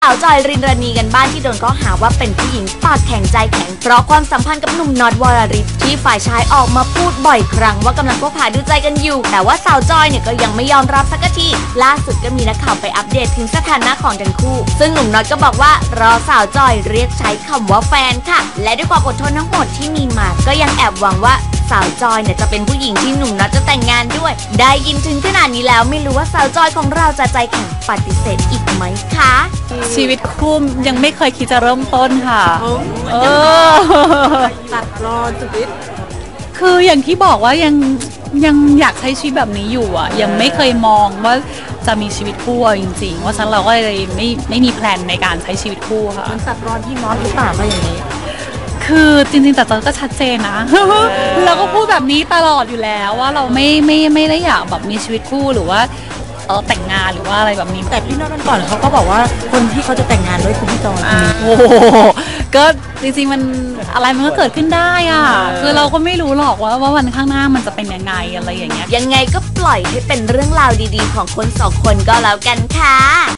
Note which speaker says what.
Speaker 1: าวจอยรินรณีกันบ้านที่โดนข้อหาว่าเป็นผู้หญิงปากแข็งใจแข็งเพราะความสัมพันธ์กับหนุ่มน็อตวรริศที่ฝ่ายชายออกมาพูดบ่อยครั้งว่ากำลังคบหาดูใจกันอยู่แต่ว่าสาวจอยเนี่ยก็ยังไม่ยอมรับสักทีล่าสุดก็มีนักข่าวไปอัปเดตถึงสถานะของทั้งคู่ซึ่งหนุ่มน็อตก็บอกว่ารอสาวจอยเรียกใช้คำว่าแฟนค่ะและด้วยความอดทนทั้งหมดที่มีมาก็ยังแอบหวังว่าสาวจอยเนี่ยจะเป็นผู้หญิงที่หนุ่มน็อตจะแต่งงานด้วยได้ยินถึงขนาดนี้แล้วไม่รู้ว่าสาวจอยของเราจะใจแข็งปฏิเสธอีกไหมคะ
Speaker 2: ชีวิตคู่ยังไม่เคยคิดจะเริ่มต้นค่ะ
Speaker 3: ตัดรอจุดนิด
Speaker 2: คืออย่างที่บอกว่ายังอยากใช้ชีวิตแบบนี้อยู่อ่ะยังไม่เคยมองว่าจะมีชีวิตคู่จริงๆว่าฉะนั้นเราก็เลยไม่มีแพลนในการใช้ชีวิตคู่ค่ะ
Speaker 3: มันตัดรอนที่น็อตหรือเปล่าก็อย่างนี้
Speaker 2: คือจริงๆแต่ก็ชัดเจนนะเราก็พูดแบบนี้ตลอดอยู่แล้วว่าเราไม่ได้อยากแบบมีชีวิตคู่หรือว่าแต่งงานหรือว่าอะไรแบบนี้
Speaker 3: แต่พี่น็อตก่อนเขาก็บอกว่าคนที่เขาจะแต่งงานด้วยคือพี่จอย
Speaker 2: โอ้ก็จริงๆมันอะไรมันก็เกิดขึ้นได้อ่ะคือเราก็ไม่รู้หรอกว่าวันข้างหน้ามันจะเป็นยังไงอะไรอย่างเงี้ย
Speaker 1: ยังไงก็ปล่อยให้เป็นเรื่องราวดีๆของคนสองคนก็แล้วกันค่ะ